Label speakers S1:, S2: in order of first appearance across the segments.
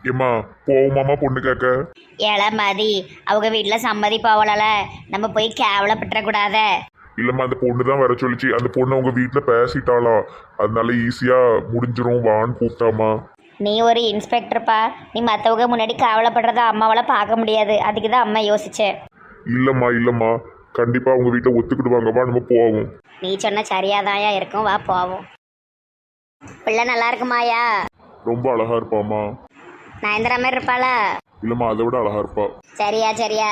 S1: ஏம்மா போவோமாமா பொண்ணு கேட்க?
S2: ஏழை மதி அவங்க வீட்டில் சம்மதி போகல, நம்ம போய் கேவலப்பட்டுறக்கூடாத.
S1: இல்லம்மா அந்த பொண்ணு தான் வர சொல்லிச்சு. அந்த பொண்ணு உங்க வீட்டுல பேசிட்டாளா, அதனால ஈஸியா முடிஞ்சிரும் வான்னு கூப்பிட்டாமா.
S2: நீ ஒரு இன்ஸ்பெக்டர்ப்பா, நீ மற்றவங்க முன்னாடி கேவலப்படுறத அம்மாவால் பார்க்க முடியாது, அதுக்கு தான் அம்மா யோசிச்சேன்.
S1: இல்லம்மா இல்லம்மா, கண்டிப்பா உங்க வீட்டுல ஒத்துக்கிடுவாங்கப்பா, நம்ம போவோம்.
S2: நீ சொன்ன சரியாதாயா இருக்கும், வா போவோம். பிள்ளை நல்லா இருக்குமாயா?
S1: ரொம்ப அழகா இருப்பாமா.
S2: நயன்தரா மாதிரி இருப்பாளா?
S1: இல்லம்மா அதை விட அழகா இருப்பா.
S2: சரியா சரியா.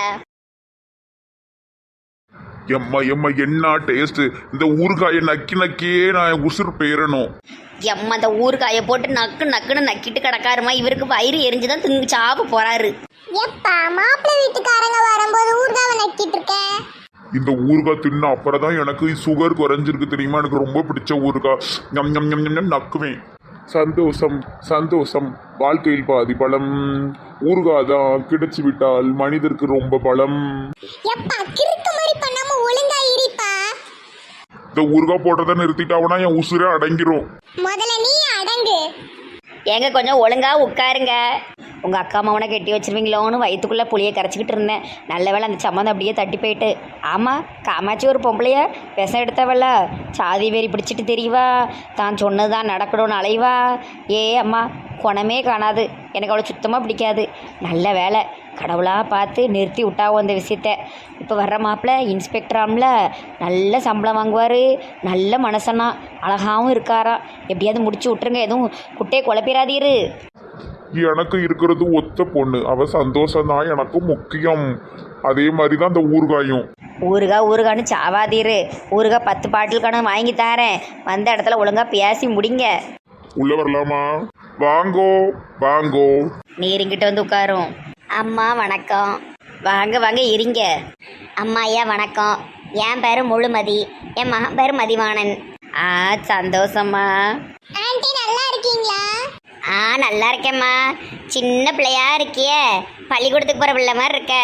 S1: எம்மா எம்மா என்ன டேஸ்ட்! இந்த ஊறுகாயை நக்கி நக்கியே நான் உசுறு பெயரணும்.
S2: எம்மா இந்த ஊறுகாயை போட்டு நக்கு நக்குன்னு நக்கிட்டு கிடக்காருமா, இவருக்கு வயிறு எரிஞ்சுதான் திங்கு சாப்பிட போறாரு.
S3: எப்பா மாப்பிள்ளை வீட்டுக்காரங்க வரும்போது ஊர்காவை நக்கிட்டு இருக்கேன்.
S1: இந்த ஊறுகாய் தின்ன அப்புறம் தான் எனக்கு சுகர் குறைஞ்சிருக்கு தெரியுமா. எனக்கு ரொம்ப பிடிச்ச ஊறுகாய். ஞம் ஞம் ஞம் ஞம் நக்குவேன். சந்தோஷம் சந்தோஷம், வாழ்க்கையில் பாதி பலம். ஊறுகாய் தான் கிடைச்சு விட்டால் மனிதருக்கு ரொம்ப பலம்.
S3: எப்பா கிறுக்கு மாதிரி பண்ணாம ஒழுங்கா இருப்பா.
S1: இந்த ஊறுகாய் போடுறத நிறுத்திட்டாவனா என் உசுரே அடங்கிரும்.
S3: முதல்ல நீ அடங்கு.
S2: ஏங்க கொஞ்சம் ஒழுங்கா உட்காருங்க. உங்க அக்கா அம்மாவனை கட்டி வச்சிருவீங்களோன்னு வயிற்றுக்குள்ளே புளியை கரைச்சிக்கிட்டு இருந்தேன். நல்ல வேளை அந்த சம்மந்தம் அப்படியே தட்டி போயிட்டு. ஆமாம், காமாட்சி ஒரு பொம்பளைய விஷம் எடுத்தவல்ல, சாதி வெறி பிடிச்சிட்டு தெரியவா, தான் சொன்னது தான் நடக்கணும்னு அலைவா. ஏ அம்மா, குணமே காணாது. எனக்கு அவ்வளோ சுத்தமாக பிடிக்காது. நல்ல வேலை கடவுளாக பார்த்து நிறுத்தி விட்டாவும் அந்த விஷயத்த. இப்போ வர்ற மாப்பிள்ள இன்ஸ்பெக்டராம்ல, நல்ல சம்பளம் வாங்குவார், நல்ல மனசனா, அழகாகவும் இருக்காராம். எப்படியாவது முடிச்சு விட்டுருங்க, எதுவும் குட்டையை குழப்பிடாதீரு.
S1: எனக்கு இருக்கிறது ஒத்த பொண்ணு, அவ சந்தோஷம் தான் எனக்கு முக்கியம். அதே மாதிரி தான் இந்த ஊறுகாயும்.
S2: ஊறுகான்னு சாவாதீரு. ஊறுகாய் 10 பாட்டில் கணக்கு வாங்கி தரேன், வந்த இடத்துல ஒழுங்கா பேசி முடிங்க.
S1: உள்ள வரலாமா? வாங்கோ வாங்கோ.
S2: நீரிங்கிட்ட வந்து உட்காரும். அம்மா வணக்கம். வாங்க வாங்க இருங்க. அம்மா ஐயா வணக்கம். என் பேரு முழுமதி, என் மகன் பேரு மதிவாணன். சந்தோஷம்மா.
S3: ஆண்டி நல்லா இருக்கீங்களா?
S2: நல்லா இருக்கேம்மா. சின்ன பிள்ளையா இருக்கியே, பள்ளிக்கூடத்துக்கு போகிற பிள்ளை மாதிரி இருக்க.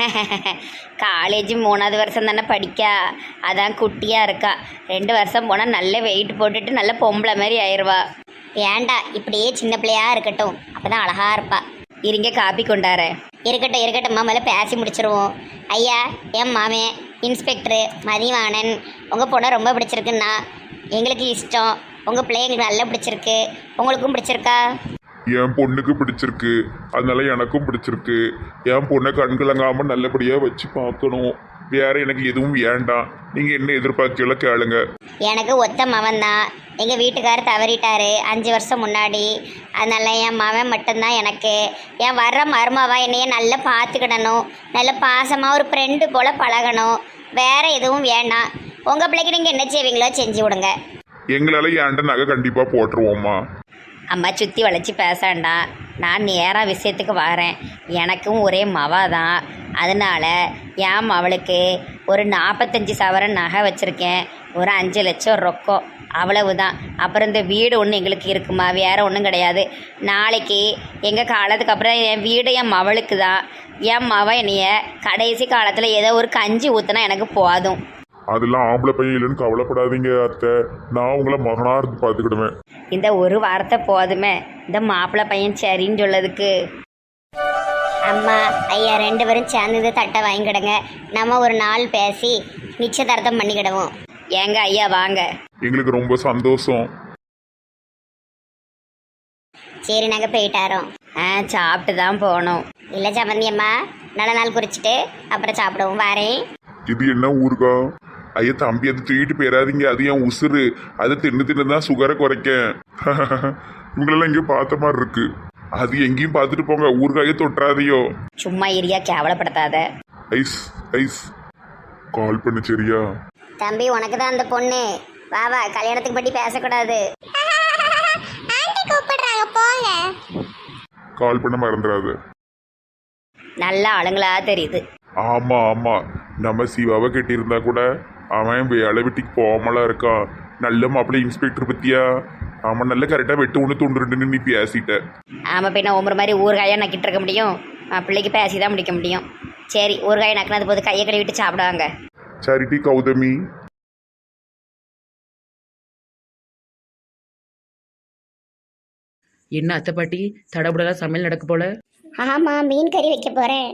S2: காலேஜ் 3வது வருஷம் தானே படிக்கா, அதான் குட்டியாக இருக்கா. 2 வருஷம் போனால் நல்ல வெயிட் போட்டுட்டு நல்ல பொம்பளை மாதிரி ஆயிடுவா. ஏண்டா இப்படியே சின்ன பிள்ளையா இருக்கட்டும், அப்போ தான் அழகா இருப்பா. இருங்க காப்பி கொண்டாரேன். இருக்கட்டும் மேலே பேசி முடிச்சிருவோம். ஐயா, என் மாமே இன்ஸ்பெக்டரு மதிவாணன். உங்கள் பொண்ணை ரொம்ப பிடிச்சிருக்குன்னா எங்களுக்கு இஷ்டம். உங்கள் பிள்ளை எங்களுக்கு நல்லா பிடிச்சிருக்கு. உங்களுக்கும் பிடிச்சிருக்கா?
S1: என் பொண்ணுக்கு பிடிச்சிருக்கு, அதனால எனக்கும் பிடிச்சிருக்கு. என் பொண்ணை கண்கலங்காம நல்லபடியா வச்சு பார்க்கணும். வேற எனக்கு எதுவும் வேண்டாம். நீங்க என்ன எதிர்பார்க்கல கேளுங்க.
S2: எனக்கு ஒத்த மவன் தான். எங்கள் வீட்டுக்காரர் தவறிட்டாரு 5 வருஷம் முன்னாடி. அதனால என் மவன் மட்டும்தான் எனக்கு. என் வர்ற மருமவா என்னைய நல்லா பார்த்துக்கிடணும், நல்ல பாசமாக ஒரு ஃப்ரெண்டு போல் பழகணும். வேற எதுவும் வேண்டாம். உங்கள் பிள்ளைக்கு நீங்கள் என்ன செய்வீங்களோ செஞ்சு விடுங்க.
S1: எங்களால ஏன்ட நகை கண்டிப்பா போட்டுருவோம்மா.
S2: அம்மா சுற்றி வளைச்சி பேசாண்டா, நான் நேராக விஷயத்துக்கு வரேன். எனக்கும் ஒரே மவா தான். அதனால் என் மவளுக்கு ஒரு 45 சவரன் நகை வச்சுருக்கேன், ஒரு 5 லட்சம் ரொக்கம், அவ்வளவுதான். அப்புறம் இந்த வீடு ஒன்று எங்களுக்கு இருக்குமா, வேறு ஒன்றும் கிடையாது. நாளைக்கு எங்கள் காலத்துக்கு அப்புறம் என் வீடு என் மவளுக்கு தான். என் மவன் என்னைய கடைசி காலத்தில் ஏதோ ஒரு கஞ்சி ஊற்றினா எனக்கு போதும்.
S1: அதெல்லாம் ஆம்பளை பையன் இல்லைன்னு கவலைப்படாதீங்க அத்தை, நான் உங்களை மகனா இருந்து பார்த்துக்கிடுவேன்.
S2: இந்த ஒரு வார்த்தை போதுமே இந்த மாப்பிள்ளை பையன் சரின்னு சொல்லதுக்கு. அம்மா ஐயா 2 பேரும் சேர்ந்து இந்த தட்டை வாங்கிக்கிடுங்க. நம்ம ஒரு நாள் பேசி நிச்சயதார்த்தம் பண்ணிக்கிடுவோம். ஏங்க ஐயா வாங்க.
S1: எங்களுக்கு ரொம்ப சந்தோஷம்.
S2: சரி நாங்கள் போயிட்டாரோம். சாப்பிட்டு தான் போகணும். இல்லை சம்மந்தி அம்மா, நல்ல நாள் குறிச்சிட்டு அப்புறம் சாப்பிடுவோம். வாரேன்.
S1: இது என்ன ஊருக்கா? ஐயா தம்பி, அது தூக்கிட்டு போயிடாதீங்க, அது என் உசுறு. அதை தின்னு தான் சுகரை குறைக்க. இவங்களெல்லாம் எங்கேயும் பார்த்த மாதிரி இருக்கு. அது எங்கேயும் பார்த்துட்டு போங்க, ஊறுகாயே தொட்டுறாதையோ.
S2: சும்மா ஏரியா கேவலப்படுத்தாத.
S1: ஐஸ் ஐஸ் கால் பண்ணு சரியா?
S2: தம்பி உனக்கு தான் அந்த பொண்ணு. வா வா, கல்யாணத்துக்கு பற்றி பேசக்கூடாது.
S3: ஆண்டி கூப்பிடுறாங்க, போங்க.
S1: கால் பண்ண மறந்துடாது.
S2: நல்ல ஆளுங்களா தெரியுது.
S1: ஆமா ஆமா, நம்ம சிவாவை கட்டியிருந்தா கூட அவன் வேலை வெட்டிக்கு போகாமலாம் இருக்கான். நல்ல மாப்பிள்ளை இன்ஸ்பெக்டர் பத்தியா? அவன் நல்ல கரெக்டாக வெட்டு ஒன்று தொண்டுருன்னு நீ பேசிட்ட.
S2: ஆமாம், பின்ன ஒவ்வொரு மாதிரி ஊறுகாயாக நக்கிட்டு இருக்க முடியும், பிள்ளைக்கு பேசி தான் முடிக்க முடியும். சரி, ஊறுகாயை நக்கினது போது கையை கழுவிட்டு சாப்பிடுவாங்க.
S1: சரிட்டி கௌதமி.
S4: என்ன அத்தை பாட்டி தடபுடலாம் சமையல் நடக்க போல?
S3: ஆமா, மீன் கறி வைக்க போறேன்.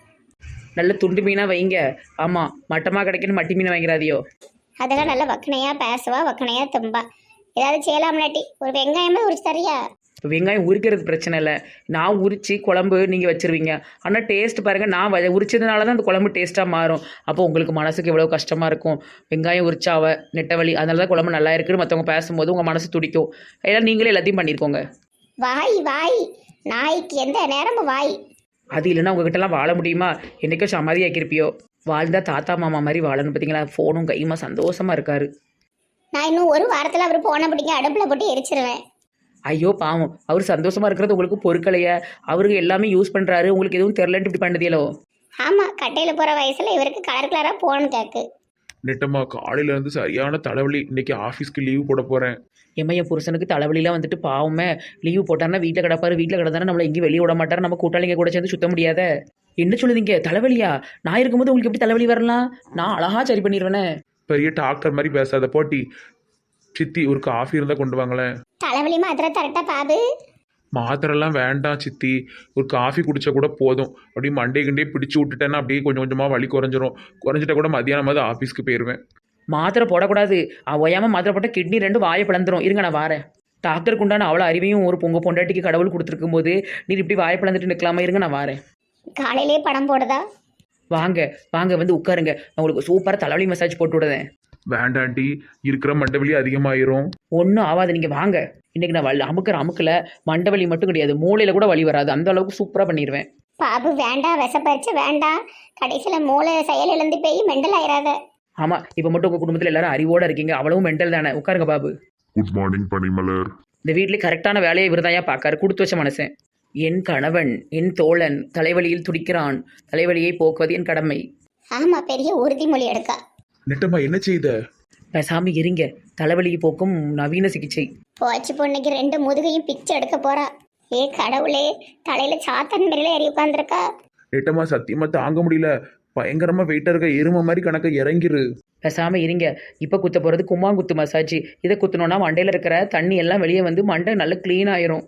S4: நல்ல துண்டு மீனாக வைங்க. ஆமாம், மட்டமாக கிடைக்கணும், மட்டி மீனை வாங்கிறாதியோ.
S3: அதெல்லாம் நல்ல வக்கனையா பேசுவா, வக்கனையா தும்பா. ஏதாவது செய்யலாம்லாட்டி ஒரு வெங்காயமே உரிச்சு தரியா?
S4: இப்போ வெங்காயம் உரிக்கிறது பிரச்சனை இல்லை, நான் உரித்து குழம்பு நீங்கள் வச்சுருவீங்க. ஆனால் டேஸ்ட் பாருங்கள், நான் உரிச்சதுனால தான் அந்த குழம்பு டேஸ்ட்டாக மாறும். அப்போ உங்களுக்கு மனசுக்கு எவ்வளோ கஷ்டமாக இருக்கும். வெங்காயம் உரிச்சாவ நெட்டவழி, அதனால தான் குழம்பு நல்லா இருக்குன்னு மற்றவங்க பேசும்போது உங்கள் மனசு துடிக்கும். ஏன்னா நீங்களே எல்லாத்தையும் பண்ணியிருக்கோங்க.
S3: வாய் வாய், நாய்க்கு எந்த நேரமும் வாய்.
S4: அது இல்லைன்னா உங்ககிட்டலாம் வாழ முடியுமா? என்றைக்கும் சமாதியாக்கியிருப்பியோ. வாழ்ந்தா தாத்தா மாமா மாதிரி வாழணும். பார்த்தீங்களா, ஃபோனும் கையுமா சந்தோஷமாக இருக்காரு.
S3: நான் இன்னும் ஒரு வாரத்துல அவர் போன பிடிக்க அடுப்புல போட்டு எரிச்சிருவேன்.
S4: ஐயோ பாவம், அவர் சந்தோஷமாக இருக்கிறது உங்களுக்கு பொறுக்கலையே. அவருக்கு எல்லாமே யூஸ் பண்ணுறாரு, உங்களுக்கு எதுவும் தெரிலன்ட்டு இப்படி பண்ணதியலோ.
S3: ஆமா, கட்டையில போற வயசுல இவருக்கு கலர் கலரா போன் கேக்கு.
S1: நெட்டம்மா காலையில இருந்து சரியான தலைவலி. இன்னைக்கு ஆஃபீஸ்க்கு லீவ் போட போறேன்.
S4: என் புருஷனுக்கு தலைவலிலாம் வந்துட்டு பாவமே லீவு போட்டாருன்னா வீட்டில் கிடப்பாரு. வீட்டில் கிடந்தானே நம்மளை எங்கேயும் வெளியே விட மாட்டார். நம்ம கூட்டாளிங்க கூட சேர்ந்து சுத்த முடியாத. என்ன சொல்லுதீங்க, தலைவலியா? நான் இருக்கும்போது உங்களுக்கு எப்படி தலைவலி வரலாம்? நான் அழகா சரி பண்ணிடுவேனே.
S1: பெரிய டாக்டர் மாதிரி பேசாத போட்டி. சித்தி ஒரு காஃபி இருந்தா கொண்டு வாங்களேன்.
S3: தலைவலி மாத்திரை தரட்டா பாபு?
S1: மாத்திரெல்லாம் வேண்டாம் சித்தி, ஒரு காஃபி குடிச்சா கூட போதும். அப்படியே மண்டே கிண்டே பிடிச்சி விட்டுட்டேன்னா அப்படியே கொஞ்சம் கொஞ்சமாக வலி குறைஞ்சிட்டா கூட மதியானமாவது ஆஃபீஸ்க்கு போயிடுவேன்.
S4: மாத்திரை போடக்கூடாது. ஒய்யாமல் மாத்திரை போட்டால் கிட்னி 2 வாயை பிளந்துரும். இருங்க நான் வாரேன். டாக்டருக்கு உண்டான அவ்வளோ அறிவையும் ஒரு பொண்டாட்டிக்கு கடவுள் கொடுத்துருக்கும் போது நீ இப்படி வாயை பிளந்துட்டு நிற்கலாமா? இருங்க நான் வாரேன்.
S3: காலையிலே படம் போடுதா?
S4: வாங்க வாங்க வந்து உட்காருங்க, நான் உங்களுக்கு சூப்பராக தலைவலி மசாஜ் போட்டு விடுதேன்.
S1: வேண்டாண்டி, இருக்கிற மண்டவலி அதிகமாயிரும்.
S4: ஒன்றும் ஆகாது, நீங்கள் வாங்க. இன்றைக்கி நான் அமுக்கில் மண்டவலி மட்டும் கிடையாது, மூளையில் கூட வலி வராது. அந்த அளவுக்கு சூப்பராக பண்ணிடுவேன்.
S3: பாபு வேண்டாம், விஷப்பறிச்சு வேண்டாம். கடைசியில் மூளை செயல் இழந்து போய் மெண்டல் ஆயிராத.
S4: ஆமாம், இப்போ மட்டும் உங்கள் குடும்பத்தில் எல்லாரும் அறிவோடு இருக்கீங்க. அவ்வளவும் மெண்டல் தானே. உட்காருங்க பாபு.
S1: குட் மார்னிங் பனிமலர்.
S4: இந்த வீட்டில் கரெக்டான வேலையை இவர்தாயா பார்க்காரு. கொடுத்து வச்ச மனுஷன். என் கணவன், என் தோழன் தலைவலியில் துடிக்கிறான். தலைவலியை போக்குவது என் கடமை.
S3: ஆமா, பெரிய உறுதிமொழி எடுக்கா.
S1: நெட்டம்மா என்ன செய்த?
S4: பேசாம இருங்க, தலைவலியை போக்கும் நவீன சிகிச்சை.
S3: போச்சு, பொண்ணுக்கு 2 முதுகையும் பிச்சை எடுக்க போறா. ஏ கடவுளே, தலையில சாத்தன் மேல ஏறி உட்காந்துருக்கா.
S1: நெட்டம்மா சத்தியமா தாங்க முடியல. பயங்கரமா வெயிட்டா இருக்க எருமை மாதிரி கணக்க இறங்கிரு.
S4: பேசாம இருங்க. இப்போ குத்த போகிறது கும்மாங்குத்து மசாஜ். இதை குத்தணும்னா மண்டையில் இருக்கிற தண்ணி எல்லாம் வெளியே வந்து மண்டை நல்லா க்ளீன் ஆயிரும்.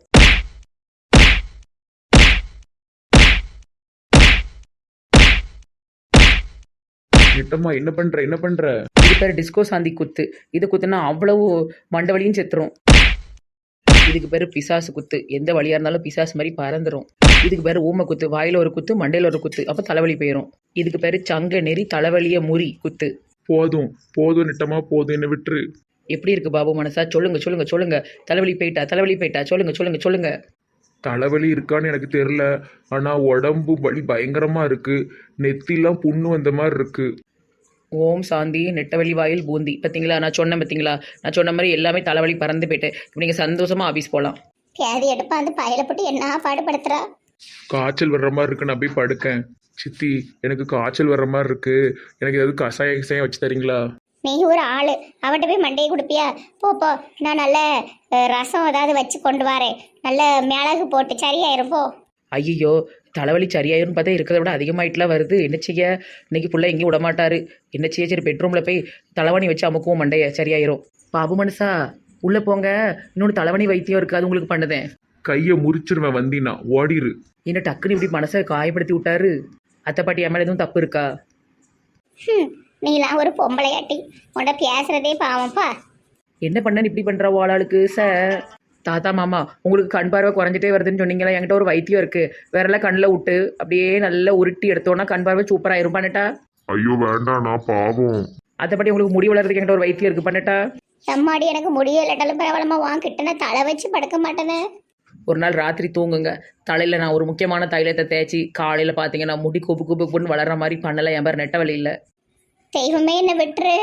S1: நெட்டம்மா என்ன பண்ற?
S4: இது பேர் டிஸ்கோ சாந்தி குத்து. இதை குத்துனா அவ்வளவு மண்டை வலியும் செத்துரும். இதுக்கு பேர் பிசாசு குத்து. எந்த வழியாக இருந்தாலும் பிசாசு மாதிரி பறந்துடும். இதுக்கு பேர் ஊமை குத்து. வாயில் ஒரு குத்து, மண்டையில் ஒரு குத்து, அப்போ தலைவலி போயிடும். இதுக்கு பேர் சங்க நெறி தலைவலியை முறி குத்து.
S1: போதும் நெட்டம்மா போதும், என்ன விட்டுரு.
S4: எப்படி இருக்கு பாபு மனசா? சொல்லுங்க. தலைவலி போயிட்டா? சொல்லுங்க.
S1: தலைவலி இருக்கான்னு எனக்கு தெரியல, ஆனா உடம்பு வலி பயங்கரமா இருக்கு. நெத்திலாம் புண்ணு வந்த மாதிரி இருக்கு.
S4: ஓம் சாந்தி. நெட்டவழி வாயில் பூந்தி. பார்த்தீங்களா, நான் சொன்ன மாதிரி எல்லாமே தலைவலி பறந்து போயிட்டேன். இப்போ நீங்கள் சந்தோஷமா ஆஃபீஸ் போகலாம்.
S3: பேதி எடுப்பா அந்த பயில போட்டு என்ன பாடுபடுத்துறா.
S1: காய்ச்சல் வர்ற மாதிரி இருக்கு, நான் போய் படுக்கேன். சித்தி எனக்கு காய்ச்சல் வர்ற மாதிரி இருக்கு, எனக்கு ஏதாவது கசாயம் வச்சு தரீங்களா?
S3: நீ ஒரு ஆளு, அவட்ட போய் மண்டையை கொடுப்பியா? போ, நான் நல்ல ரசம் ஏதாவது வச்சு கொண்டு வரேன். நல்ல மிளகு போட்டு சரியாயிரும் போ.
S4: ஐயோ, தலைவலி சரியாயிரும்னு பார்த்தா இருக்கிறத விட அதிகமாயிட்டுலாம் வருது. என்ன செய்ய? இன்னைக்கு ஃபுல்லாக எங்கேயும் விட மாட்டாரு. என்ன செய்ய? சரி, பெட்ரூமில் போய் தலைவணி வச்சு அமுக்குவோம், மண்டைய சரியாயிரும். பாபு மனுஷா உள்ளே போங்க. இன்னொன்று தலைவணி வைத்தியம் இருக்குது, அது உங்களுக்கு பண்ணுதேன்.
S1: கையை முறிச்சிருவேன், வந்தினா ஓடிரு.
S4: என்ன டக்குன்னு இப்படி மனசை காயப்படுத்தி விட்டாரு? அத்தை பாட்டி என் மேலே எதுவும் தப்பு இருக்கா?
S3: நீலாம் ஒரு பொம்பளையாட்டி, உன்ட பேசுறதே பாவம்ப்பா.
S4: என்ன பண்ணு இப்படி பண்ணுற ஆளாளுக்கு சார்? தாத்தா மாமா, உங்களுக்கு கண் பார்வை குறைஞ்சிட்டே வருதுன்னு சொன்னீங்களா? என்கிட்ட ஒரு வைத்தியம் இருக்குது. வேறெல்லாம் கண்ணில் விட்டு அப்படியே நல்லா உருட்டி எடுத்தோன்னா கண் பார்வை சூப்பராயிரும். பண்ணட்டா?
S1: ஐயோ வேண்டாம், நான் பாவம்.
S4: அதை பற்றி உங்களுக்கு முடி வளர்றதுக்கு என்கிட்ட ஒரு வைத்தியம் இருக்குது. பண்ணட்டா?
S3: எம்மாடி, எனக்கு முடியலட்டாலும் பரவாயில்லமா, வாங்கிட்டேன்னா தலை வச்சு படுக்க மாட்டேனே.
S4: ஒரு நாள் ராத்திரி தூங்குங்க, தலையில் நான் ஒரு முக்கியமான தைலத்தை தேய்ச்சி காலையில் பார்த்தீங்கன்னா முடி குப்புன்னு வளர்கிற மாதிரி பண்ணலை. என் பேர் நெட்ட வலி இல்லை.
S3: தெய்வமே என்ன விட்டுரு.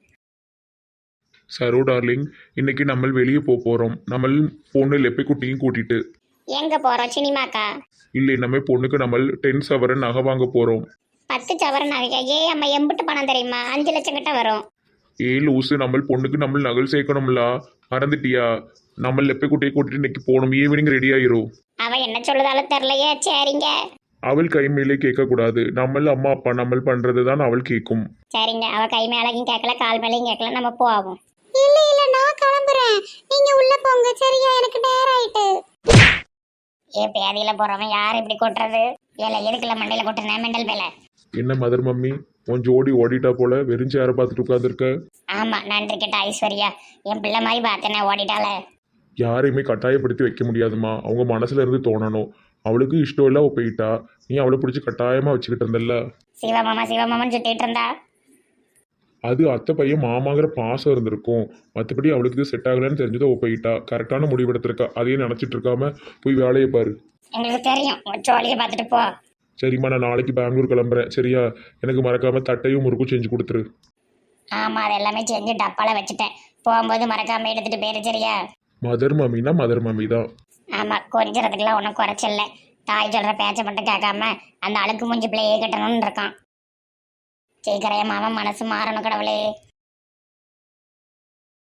S1: சரோ டார்லிங், இன்னைக்கு நம்ம வெளியே போகிறோம். நம்ம பொண்ணு லெப்பை குட்டியும் கூட்டிட்டு.
S3: எங்க போறோம்? சினிமாக்கா?
S1: இல்லை, நம்ம பொண்ணுக்கு நம்ம 10 சவரன் நகை வாங்க போகிறோம்.
S3: 10 சவரன் நகையா? ஏ அம்மா, எம்பிட்டு பணம் தெரியுமா? 5 லட்சம் கிட்ட வரும்.
S1: லூசு, நம்ம பொண்ணுக்கு நம்ம நகல் சேர்க்கணும்ல, மறந்துட்டியா? நம்ம லெப்பை குட்டியை கூட்டிட்டு இன்னைக்கு போகணும். ஈவினிங் ரெடி ஆயிரும்.
S3: அவ என்ன சொல்லுதாலும் தெரியலையே. சரிங்க.
S1: அவள் கை மேலே கேட்கக்கூடாது. நம்ம அம்மா அப்பா நம்ம பண்றது தான் அவள் கேட்கும்.
S3: சரிங்க, அவ கை மேலையும் கேட்கல, கால் மேலையும் கேட்கல, நம்ம போவோம். இல்ல நான் கிளம்புறேன், நீங்க உள்ள போங்க. சரியா, எனக்கு நேரம் ஆயிட்டு. பேதியில போறவன் யார் இப்படி கொட்டுறது? ஏல எதுக்குல மண்டையில கொட்டுறேன் மெண்டல் மேல.
S1: என்ன மதர் மம்மி உன் ஜோடி ஓடிட்டா போல வெறிஞ்சு யாரை பார்த்துட்டு உட்காந்துருக்க?
S3: ஆமா நன்றி கேட்ட ஐஸ்வர்யா, என் பிள்ளை மாதிரி பார்த்தேனே ஓடிட்டால.
S1: யாரையுமே கட்டாயப்படுத்தி வைக்க முடியாதுமா, அவங்க மனசுல இருந்து தோணணும். அவளுக்கு இஷ்டம் இல்லை அவள் போயிட்டா, நீ அவளை பிடிச்சி கட்டாயமா வச்சுக்கிட்டு இருந்தல்ல.
S3: சிவமாமான்னு சுத்திட்டு இருந்தா.
S1: அது அத்தை பையன் மாமாங்கிற பாசம் இருந்திருக்கும். மற்றபடி அவளுக்கு இது செட் ஆகலைன்னு தெரிஞ்சது அவள் போயிட்டா. கரெக்டான முடிவெடுத்திருக்கா. அதையும் நினச்சிட்டு இருக்காம போய் வேலையை பாரு.
S3: எங்களுக்கு தெரியும், சோழியை பார்த்துட்டு போ.
S1: சரிம்மா, நான் நாளைக்கு பெங்களூர் கிளம்புறேன். சரியா? எனக்கு மறக்காம தட்டையும் முறுக்கும் செஞ்சு கொடுத்துரு.
S3: ஆமா அது எல்லாமே செஞ்சு டப்பால வச்சுட்டேன். போகும்போது மறக்காம எடுத்துட்டு போயிரு சரியா?
S1: மதர் மம்மினா மதர் மம்மி தான்.
S3: ஆமா கொஞ்சறதுக்குலாம் ஒன்றும் குறைச்சில்ல. தாய் சொல்ற பேச்சை மட்டும் கேட்காம அந்த அழுக்கு மூஞ்சி பிள்ளையே கட்டணும்னு இருக்கான். சீக்கிரம் மாமா மனசு மாறணும் கடவுளே.